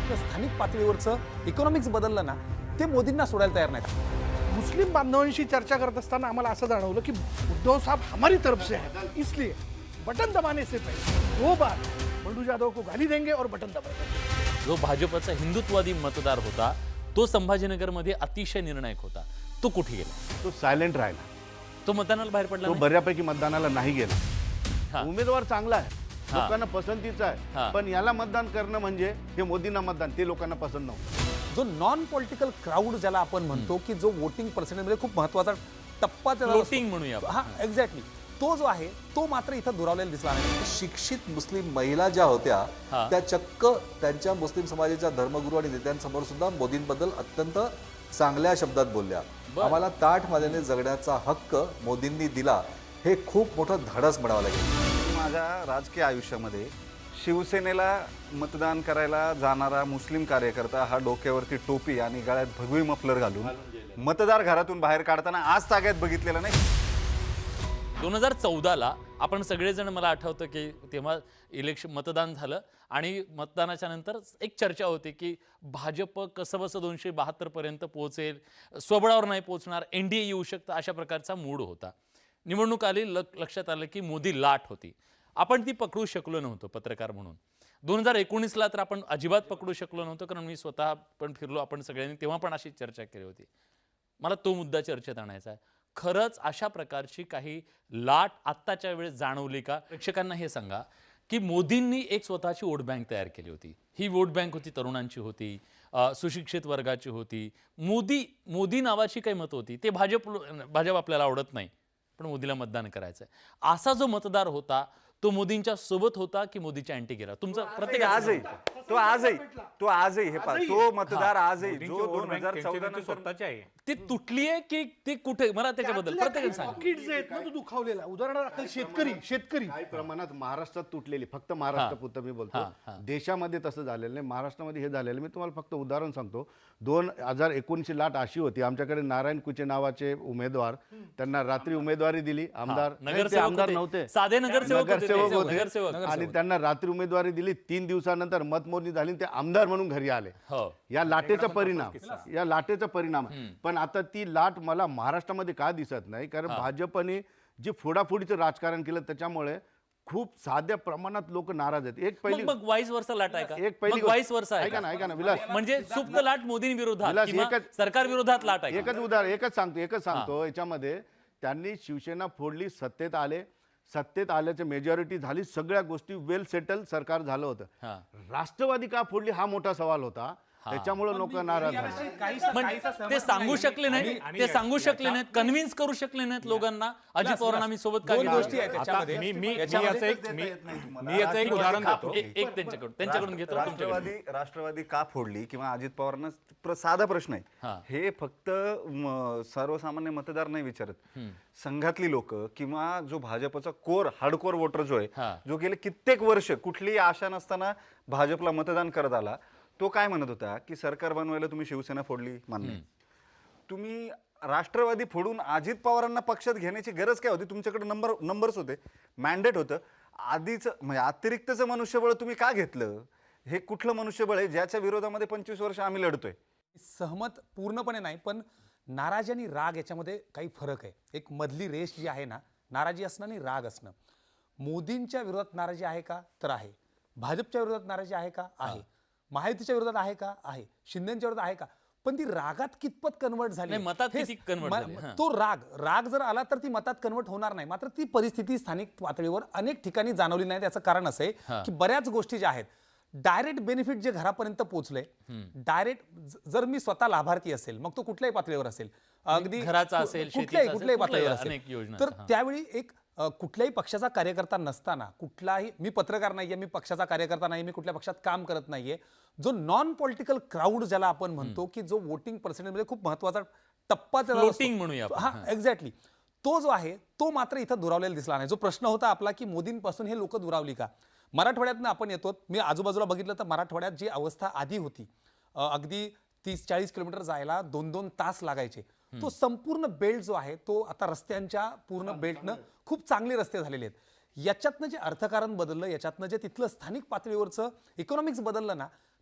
तर स्थानिक पातळीवरचं इकॉनॉमिक्स बदललं ना, ते मोदींना सोडायला तयार नाहीत. मुस्लिम बांधवांशी चर्चा करत असताना आम्हाला असं जाणवलं की उद्धव साहब हमारी तरफ से है, इसलिए बटन दबाने से पहले 2 बार बंडू जाधव को गाली देंगे और बटन दबाएंगे. जो भाजपचा हिंदुत्ववादी मतदार होता तो संभाजीनगरमध्ये अतिशय निर्णायक होता, तो कुठे गेला? तो सायलेंट राहिला. तो मतदानाला बाहेर पडला तो नाही? बऱ्यापैकी मतदानाला नाही हा. गेला. उमेदवार चांगला आहे, हा. लोकांना पसंतीचा हा. आहे, पण याला मतदान करणं म्हणजे हे मोदींना मतदान, ते लोकांना पसंत नव्हतं. जो नॉन पॉलिटिकल क्राऊड ज्याला आपण म्हणतो की जो वोटिंग पर्सेंटेजमध्ये खूप महत्वाचा टप्पा त्याला Floating म्हणूया आपण. हा एक्झॅक्टली, तो जो आहे तो मात्र इथं दुरावलेला दिसला नाही. शिक्षित मुस्लिम महिला ज्या होत्या हा. त्या चक्क त्यांच्या मुस्लिम समाजाच्या धर्मगुरू आणि नेत्यांसमोर सुद्धा मोदींबद्दल अत्यंत चांगल्या शब्दात बोलल्या. बरं. आम्हाला ताठ मानेने जगण्याचा हक्क मोदींनी दिला, हे खूप मोठं धाडस म्हणावं लागेल. माझ्या राजकीय आयुष्यामध्ये शिवसेनेला मतदान करायला जाणारा मुस्लिम कार्यकर्ता हा डोक्यावरती टोपी आणि गळ्यात भगवी मफलर घालून मतदार घरातून बाहेर काढताना आज ताग्यात बघितलेलं नाही. 2014ला आपण सगळेजण, मला आठवतं की तेव्हा मतदान झालं आणि मतदानाच्या नंतर एक चर्चा होती की भाजप कसंबसं 272 पर्यंत पोहोचेल, स्वबळावर नाही पोहोचणार, एनडीए येऊ शकतं, अशा प्रकारचा मूड होता. निवडणूक आली, लक्षात आलं की मोदी लाट होती. आपण ती पकडू शकलो नव्हतो पत्रकार म्हणून. 2019ला तर आपण अजिबात पकडू शकलो नव्हतो, कारण मी स्वतः पण फिरलो, आपण सगळ्यांनी तेव्हा पण अशी चर्चा केली होती. मला तो मुद्दा चर्चेत आणायचा आहे. खरंच अशा प्रकारची काही लाट आत्ताच्या वेळेस जाणवली का? प्रेक्षकांना हे सांगा की मोदींनी एक स्वतःची वोट बँक तयार केली होती. ही वोट बँक होती तरुणांची होती, सुशिक्षित वर्गाची होती. मोदी नावाची काही मतं होती. ते भाजप आपल्याला आवडत नाही, पण मोदीला मतदान करायचं आहे, असा जो मतदार होता तो मोदींच्या सोबत होता की मोदीच्या अँटी गेला? तुमचा प्रत्येक आजही तो आजही हे पहा, तो मतदार आजही जो 2014 नंतर ती तुटली आहे की ती कुठे? मला त्याच्याबद्दल प्रत्येकाने सांगा. पॉकेट्स आहेत ना, तो दुखावलेला. उदाहरणार्थ शेतकरी काही प्रमाणात महाराष्ट्रात तुटलेली, फक्त महाराष्ट्रापुरतं मी बोलतो, देशामध्ये तसं झालेलं नाही, महाराष्ट्रामध्ये हे झालेलं. मी तुम्हाला फक्त उदाहरण सांगतो. 2019ची लाट अशी होती, आमच्याकडे नारायण कुचे नावाचे उमेदवार, त्यांना रात्री उमेदवारी दिली. आमदार नगरसेवक नव्हते, साधे नगरसेवक होते आणि त्यांना रात्री उमेदवारी दिली. 3 दिवसानंतर मतमोजणी झाली, ते आमदार म्हणून घरी आले. या लाटेचा परिणाम. पण आता ती लाट मला महाराष्ट्रामध्ये का दिसत नाही? कारण भाजपने जे फोडाफोडीचं राजकारण केलं त्याच्यामुळे खूप साध्या प्रमाणात लोक नाराज आहेत. एक पहिली मग वाईस वर्षा लाट आहे का? एक पहिली मग वाईस वर्षा आहे ऐका का? ना विलास, म्हणजे सुप्त लाट मोदींविरोधात विलास, किंवा सरकार विरोधात लाट आहे का? एकच सांगतो याच्यामध्ये त्यांनी शिवसेना फोडली, सत्तेत आल्याची मेजॉरिटी झाली, सगळ्या गोष्टी वेल सेटल सरकार झालं होतं. राष्ट्रवादी का फोडली हा मोठा सवाल होता. त्याच्यामुळे लोक नाराज झाले. पण ते सांगू शकले नाहीत, कन्व्हिन्स करू शकले नाहीत लोकांना. अजित पवारांना मी सोबत का दोन घेतलं? गोष्टी आहेत त्याच्यामध्ये. मी याचं एक उदाहरण देतो. एक त्यांच्याकडून घेतो, तुमच्याकडून. राष्ट्रवादी का फोडली किंवा अजित पवारांना साधा प्रश्न आहे. हे फक्त सर्वसामान्य मतदार नाही विचारत, संघातली लोक किंवा जो भाजपचा कोर हार्डकोर वोटर जो आहे, जो गेले कित्येक वर्ष कुठलीही आशा नसताना भाजपला मतदान करत आला, तो काय म्हणत होता की सरकार बनवायला तुम्ही शिवसेना फोडली, मान्य. तुम्ही राष्ट्रवादी फोडून अजित पवारांना पक्षात घेण्याची गरज काय होती? तुमच्याकडे नंबर्स होते, मॅन्डेट होतं. आधीच म्हणजे अतिरिक्तचं मनुष्यबळ तुम्ही का घेतलं? हे कुठलं मनुष्यबळ आहे ज्याच्या विरोधामध्ये 25 वर्ष आम्ही लढतोय? सहमत पूर्णपणे नाही, पण नाराजी आणि राग याच्यामध्ये काही फरक आहे. एक मधली रेष जी आहे ना, नाराजी असणं आणि राग असणं. मोदींच्या विरोधात नाराजी आहे का? तर आहे. भाजपच्या विरोधात नाराजी आहे का? आहे. महायुतीच्या विरोधात आहे का? आहे. शिंदेच्या विरोधात आहे का? पण ती रागात कितपत कन्वर्ट झाली? नाही, मतात किती convert झाली? तो राग जर आला तर ती मतात कन्वर्ट होणार नाही. मात्र ती परिस्थिती स्थानिक पातळीवर अनेक ठिकाणी जाणवली नाही. त्याचं कारण असं आहे की बऱ्याच गोष्टी ज्या आहेत, डायरेक्ट बेनिफिट जे घरापर्यंत पोहोचले, डायरेक्ट जर मी स्वतः लाभार्थी असेल, मग तो कुठल्याही पातळीवर असेल, अगदी घराचा असेल, कुठल्याही पातळीवर अनेक योजना. तर त्यावेळी एक कुठल्याही पक्षाचा कार्यकर्ता नसताना, कुठलाही, मी पत्रकार नाहीये, मी पक्षाचा कार्यकर्ता नाही, मी कुठल्या पक्षात काम करत नाहीये, जो नॉन पॉलिटिकल क्राऊड ज्याला आपण म्हणतो की जो वोटिंग पर्सेंटेजमध्ये खूप महत्वाचा टप्पा त्याला Floating म्हणूया आपण. हा एक्झॅक्टली, तो जो आहे तो मात्र इथं दुरावलेला दिसला नाही. जो प्रश्न होता आपला की मोदींपासून हे लोक दुरावली का? मराठवाड्यातनं आपण येतो, मी आजूबाजूला बघितलं तर मराठवाड्यात जी अवस्था आधी होती, अगदी 30-40 किलोमीटर जायला 2-2 तास लागायचे, तो संपूर्ण बेल्ट जो आहे तो आता रस्त्यांच्या पूर्ण बेल्टनं खूप चांगले रस्ते झालेले आहेत. याच्यातनं जे अर्थकारण बदललं, याच्यातनं जे तिथलं स्थानिक पातळीवरचं इकॉनॉमिक्स बदललं ना,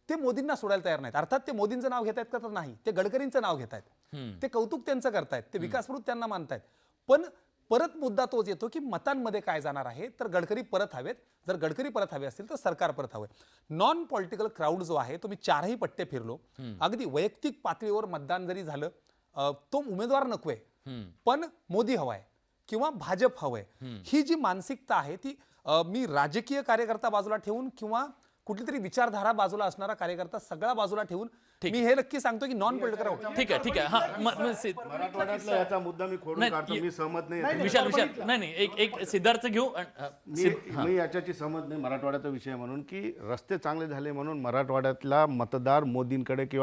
ते मोदींना सोडायला तयार नाहीत. अर्थात ते मोदींचं नाव घेत आहेत का तर नाही, ते गडकरींचं नाव घेत आहेत, ते कौतुक त्यांचं करतायत, ते विकासप्रवृत्त त्यांना मानतायत. पण परत मुद्दा तोच येतो की मतांमध्ये काय जाणार आहे. तर गडकरी परत हवेत, जर गडकरी परत हवे असतील तर सरकार परत हवंय. नॉन पॉलिटिकल क्राऊड जो आहे तो मी 4ही पट्टे फिरलो. अगदी वैयक्तिक पातळीवर मतदान जरी झालं तो उमेदवार नकोय, पण मोदी हवाय किंवा भाजप हवंय, ही जी मानसिकता आहे ती मी राजकीय कार्यकर्ता बाजूला ठेवून किंवा कुठली तरी विचारधारा बाजूला असणारा कार्यकर्ता सगळा बाजूला ठेवून मी हे नक्की सांगतो की नॉन पॉलिटिकल. ठीक आहे, ठीक आहे. हा मराठवाड्यातला याचा मुद्दा मी खोडून नाही, काढतो. मी सहमत नाही. विशाल नाही एक सिद्धार्थ घेऊ. मी याच्याची सहमत नाही मराठवाड्याचा विषय म्हणून, की रस्ते चांगले झाले म्हणून मराठवाड्यातला मतदार मोदींकडे किंवा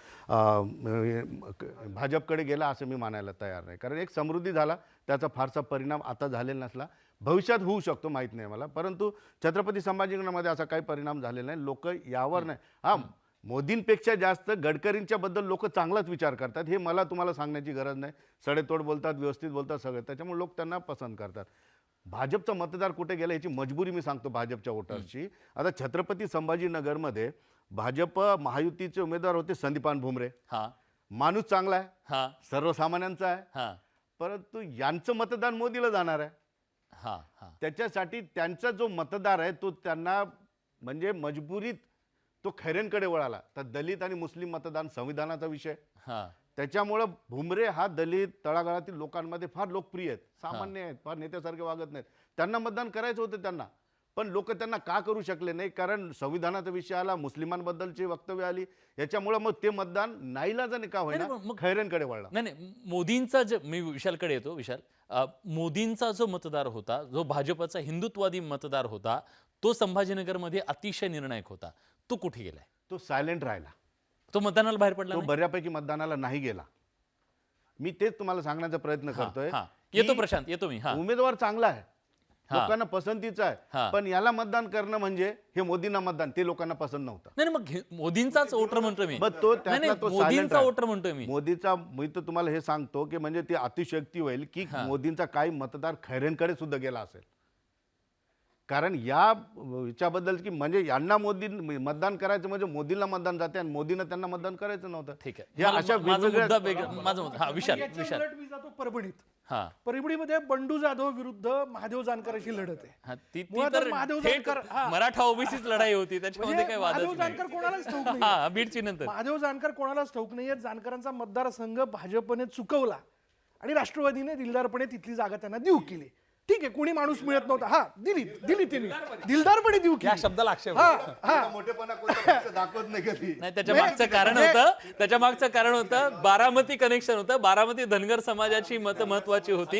भाजपकडे गेला असं मी मानायला तयार नाही. कारण एक समृद्धी झाला, त्याचा फारसा परिणाम आता झालेला नसला, भविष्यात होऊ शकतो माहीत नाही मला, परंतु छत्रपती संभाजीनगरमध्ये असा काही परिणाम झालेला नाही. लोक यावर नाही, हा मोदींपेक्षा जास्त गडकरींच्या बद्दल लोक चांगलाच विचार करतात, हे मला तुम्हाला सांगण्याची गरज नाही. सडेतोड बोलतात, व्यवस्थित बोलतात सगळे, त्याच्यामुळे लोक त्यांना पसंत करतात. भाजपचा मतदार कुठे गेला याची मजबुरी मी सांगतो भाजपच्या वोटर्सची. आता छत्रपती संभाजीनगरमध्ये भाजप महायुतीचे उमेदवार होते संदीपान भुमरे. माणूस चांगला आहे, सर्वसामान्यांचा आहे, परंतु यांचं मतदान मोदीला जाणार आहे. त्याच्यासाठी त्यांचा जो मतदार आहे तो त्यांना म्हणजे मजबुरीत तो खैरेंकडे वळाला. तर दलित आणि मुस्लिम मतदान संविधानाचा विषय, त्याच्यामुळं भुमरे हा दलित तळागाळातील लोकांमध्ये फार लोकप्रिय आहेत, सामान्य आहेत, फार नेत्यासारखे वागत नाहीत. त्यांना मतदान करायचं होतं त्यांना, पण लोक त्यांना का करू शकले नाही, कारण संविधानाचा विषय आला, मुस्लिमांबद्दलची वक्तव्य आली, याच्यामुळे मग ते मतदान नाईलाजाने का होईना खैरेंकडे वळला. नाही, मोदींचा जो, मी विशालकडे येतो. विशाल, मोदींचा जो मतदार होता, जो भाजपचा हिंदुत्ववादी मतदार होता, तो संभाजीनगरमध्ये अतिशय निर्णायक होता. तो कुठे गेलाय? तो सायलेंट राहिला, तो मतदानाला बाहेर पडला, तो बऱ्यापैकी मतदानाला नाही गेला. मी तेच तुम्हाला सांगण्याचा प्रयत्न करतोय. येतो प्रशांत, येतो मी. उमेदवार चांगला आहे, लोकांना पसंतीचा आहे, पण याला मतदान करणं म्हणजे हे मोदींना मतदान, ते लोकांना पसंत नव्हतं. नाही, मग मोदींचाच वोटर म्हणतोय मी. मोदींचा वोटर म्हणतोय मी. मोदीचा, मी तर तुम्हाला हे सांगतो की म्हणजे ती अतिशयोक्ती होईल की मोदींचा काही मतदार खैरेंकडे सुद्धा गेला असेल. कारण याच्याबद्दल की म्हणजे यांना मोदी मतदान करायचं म्हणजे मोदींना मतदान जाते आणि मोदीनं त्यांना मतदान करायचं नव्हतं. ठीक आहे, या अशा विशाल मी जातो परभणीत. परभणीमध्ये बंडू जाधव विरुद्ध महादेव जानकरांची लढत आहे. महादेव जानकर, मराठा ओबीसीच लढाई होती, त्याच्यामध्ये काय वाद महादेव जानकर कोणालाच ठाऊक नाही. बीडची नंतर महादेव जानकर कोणालाच ठाऊक नाहीये. जानकरांचा मतदारसंघ भाजपने चुकवला आणि राष्ट्रवादीने दिलदारपणे तिथली जागा त्यांना देऊ केली. ठीक आहे, कोणी माणूस मिळत नव्हता, दिली त्यांनी दिलदारपणे देऊ केली. या शब्दाला आक्षेप मोठेपणा दाखवत नाही कधी. नाही, त्याच्या मागचं कारण होतं बारामती कनेक्शन होतं. बारामती धनगर समाजाची मत महत्वाची होती.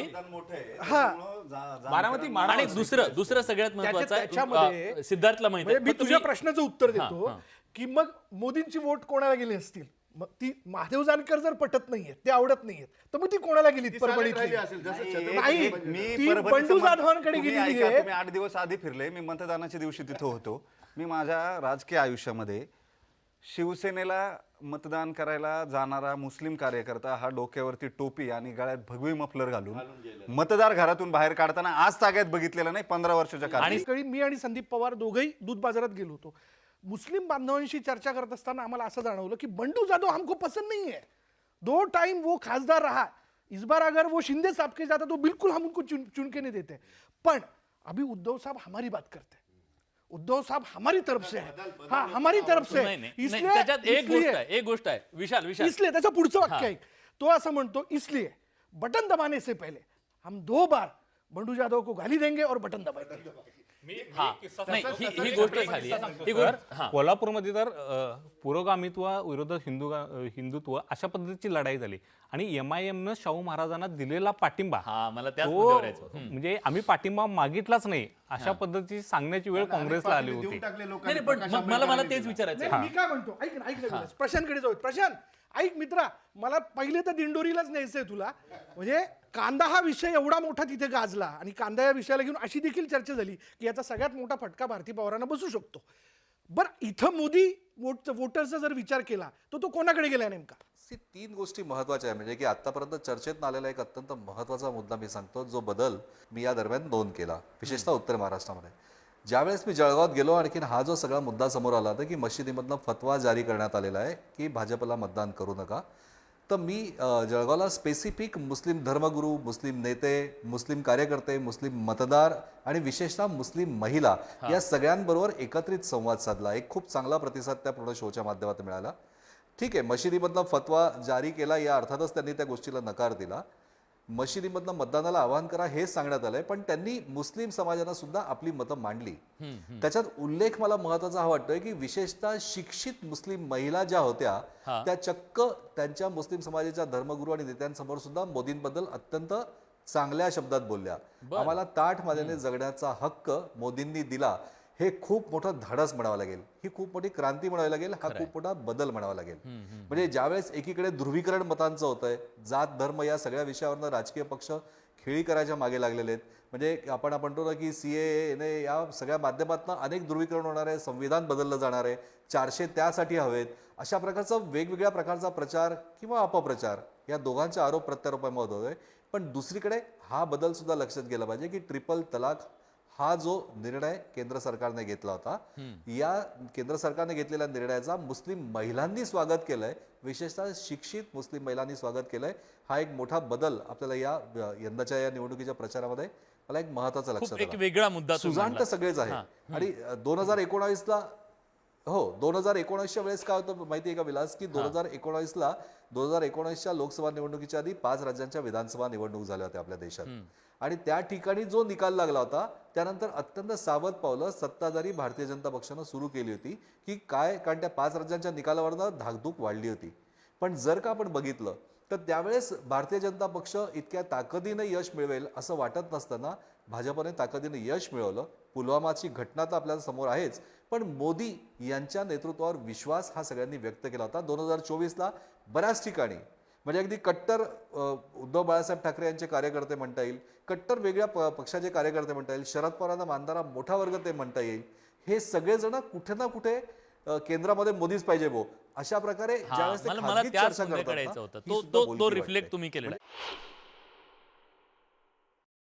बारामती आणि दुसरं सगळ्यात महत्वाचं सिद्धार्थला माहिती मी तुझ्या प्रश्नाचं उत्तर देतो की मग मोदींची वोट कोणाला गेली असतील. मग ती महादेव जानकर जर पटत नाहीये, ते आवडत नाहीयेत, तर मग ती कोणाला गेली? परभणीतली नाही, ती बंडू जाधवांकडे गेलेली आहे. मी 8 दिवस आधी फिरले, मी मतदानाच्या दिवशी तिथं होतो. मी माझ्या राजकीय आयुष्यामध्ये शिवसेनेला मतदान करायला जाणारा मुस्लिम कार्यकर्ता हा डोक्यावरती टोपी आणि गळ्यात भगवी मफलर घालून मतदार घरातून बाहेर काढताना आज ताग्यात बघितलेलं नाही 15 वर्षाच्या काळात. मी आणि संदीप पवार दोघंही दूध बाजारात गेलो होतो. मुस्लिम बांधवांशी चर्चा करत असताना आम्हाला असं जाणवलं की बंडू जाधव हमको पसंद नहीं है. 2 टाइम वो खासदार रहा, इस बार अगर वो शिंदे साहब के जाता तो बिल्कुल हम उनको चुन के नहीं देते. पण अभी उद्धव साहब हमारी बात करते हैं, उद्धव साहब हमारी तरफ से है. हाँ, हमारी तरफ से. एक गोष्ट आहे विशाल, इसलिए त्याचं पुढचं वाक्य आहे, तो असं म्हणतो, इसलिए बटन दबाने से पहले हम 2 बार बंडू जाधव को गाली देंगे और बटन दबाएंगे. ही गोष्ट झाली. कोल्हापूरमध्ये तर पुरोगामित्व विरोधात हिंदुत्व अशा पद्धतीची लढाई झाली आणि MIM न शाहू महाराजांना दिलेला पाठिंबा, मला त्याच म्हणजे आम्ही पाठिंबा मागितलाच नाही अशा पद्धतीची सांगण्याची वेळ काँग्रेसला आली होती. पण मला तेच विचारायचं. मी काय म्हणतो, ऐक ना, प्रशांतकडे जाऊ. प्रशांत, ऐक मित्रा, मला पहिले तर दिंडोरीलाच न्यायचंय तुला. म्हणजे कांदा हा विषय एवढा मोठा तिथे गाजला आणि कांदा या विषयाला घेऊन अशी देखील चर्चा झाली की याचा सगळ्यात मोठा फटका भारती पवारांना बसू शकतो. बरं, इथं मोदी वोटरचा जर विचार केला तर तो कोणाकडे गेलाय नेमका? 3 गोष्टी महत्वाच्या आहे. म्हणजे की आतापर्यंत चर्चेत आलेला एक अत्यंत महत्वाचा मुद्दा मी सांगतो, जो बदल मी या दरम्यान नोंद केला, विशेषतः उत्तर महाराष्ट्रामध्ये. ज्यावेळेस मी जळगावात गेलो आणखीन हा जो सगळा मुद्दा समोर आला होता की मशिदीमधनं फतवा जारी करण्यात आलेला आहे की भाजपला मतदान करू नका, तर मी जळगावला स्पेसिफिक मुस्लिम धर्मगुरू, मुस्लिम नेते, मुस्लिम कार्यकर्ते, मुस्लिम मतदार आणि विशेषतः मुस्लिम महिला या सगळ्यांबरोबर एकत्रित संवाद साधला. एक खूप चांगला प्रतिसाद त्या पूर्ण शोच्या माध्यमातून मिळाला. ठीक आहे, मशिदीमधनं फतवा जारी केला या अर्थातच त्यांनी त्या गोष्टीला नकार दिला. मशिदीमधनं मतदानाला आवाहन करा हे सांगण्यात आलंय, पण त्यांनी मुस्लिम समाजानं सुद्धा आपली मतं मांडली. त्याच्यात उल्लेख मला महत्वाचा हा वाटतोय की विशेषतः शिक्षित मुस्लिम महिला ज्या होत्या त्या चक्क त्यांच्या मुस्लिम समाजाच्या धर्मगुरू आणि नेत्यांसमोर सुद्धा मोदींबद्दल अत्यंत चांगल्या शब्दात बोलल्या. आम्हाला ताठ मानेने जगण्याचा हक्क मोदींनी दिला, हे खूप मोठं धाडस म्हणावं लागेल, ही खूप मोठी क्रांती म्हणावी लागेल, हा खूप मोठा बदल म्हणावा लागेल. म्हणजे ज्यावेळेस एकीकडे ध्रुवीकरण मतांचं होतंय, जात धर्म या सगळ्या विषयावरनं राजकीय पक्ष खेळी करायच्या मागे लागलेले आहेत. म्हणजे आपण म्हणतो ना की CAA या सगळ्या माध्यमातून अनेक ध्रुवीकरण होणार आहे, संविधान बदललं जाणार आहे, 400 त्यासाठी हवेत, अशा प्रकारचा वेगवेगळ्या प्रकारचा प्रचार किंवा अपप्रचार या दोघांचे आरोप प्रत्यारोपांमध्ये होतोय. पण दुसरीकडे हा बदल सुद्धा लक्षात गेला पाहिजे की ट्रिपल तलाक हा जो निर्णय केंद्र सरकारने घेतला होता, या केंद्र सरकारने घेतलेल्या निर्णयाचा मुस्लिम महिलांनी स्वागत केलंय, विशेषतः शिक्षित मुस्लिम महिलांनी स्वागत केलंय. हा एक मोठा बदल आपल्याला या यंदाच्या या निवडणुकीच्या प्रचारामध्ये मला एक महत्वाचा लक्षात एक आला. वेगळा मुद्दा तुम्ही सुजाण तर मांडला. सगळेच आहे. आणि 2019ला 2019च्या वेळेस काय होतं माहितीये का विलास, की 2019च्या लोकसभा निवडणुकीच्या आधी 5 राज्यांच्या विधानसभा निवडणूक झाल्या होत्या आपल्या देशात. आणि त्या ठिकाणी जो निकाल लागला होता त्यानंतर अत्यंत सावध पावलं सत्ताधारी भारतीय जनता पक्षानं सुरू केली होती की काय, कारण त्या 5 राज्यांच्या निकालावरनं धाकधूक वाढली होती. पण जर का आपण बघितलं तर त्यावेळेस भारतीय जनता पक्ष इतक्या ताकदीने यश मिळवेल असं वाटत नसताना भाजपने ताकदीने यश मिळवलं. पुलवामाची घटना तर आपल्याला समोर आहेच, पण मोदी यांच्या नेतृत्वावर विश्वास हा सगळ्यांनी व्यक्त केला होता. 2024ला बऱ्याच ठिकाणी म्हणजे अगदी कट्टर उद्धव बाळासाहेब ठाकरे यांचे कार्यकर्ते म्हणता येईल, कट्टर वेगळ्या पक्षाचे कार्यकर्ते म्हणता येईल, शरद पवारांना मानणारा मोठा वर्ग ते म्हणता येईल, हे सगळेजण कुठे ना कुठे केंद्रामध्ये मोदीच पाहिजे भो अशा प्रकारे ज्यावेळेस ते मला खासगीत त्याच चर्चा मुद्द्याकडे करतात यायचं ना, होतं. ही सुद्धा तो बोलकी रिफ्लेक्ट वाटते. तुम्ही केलेला आहे.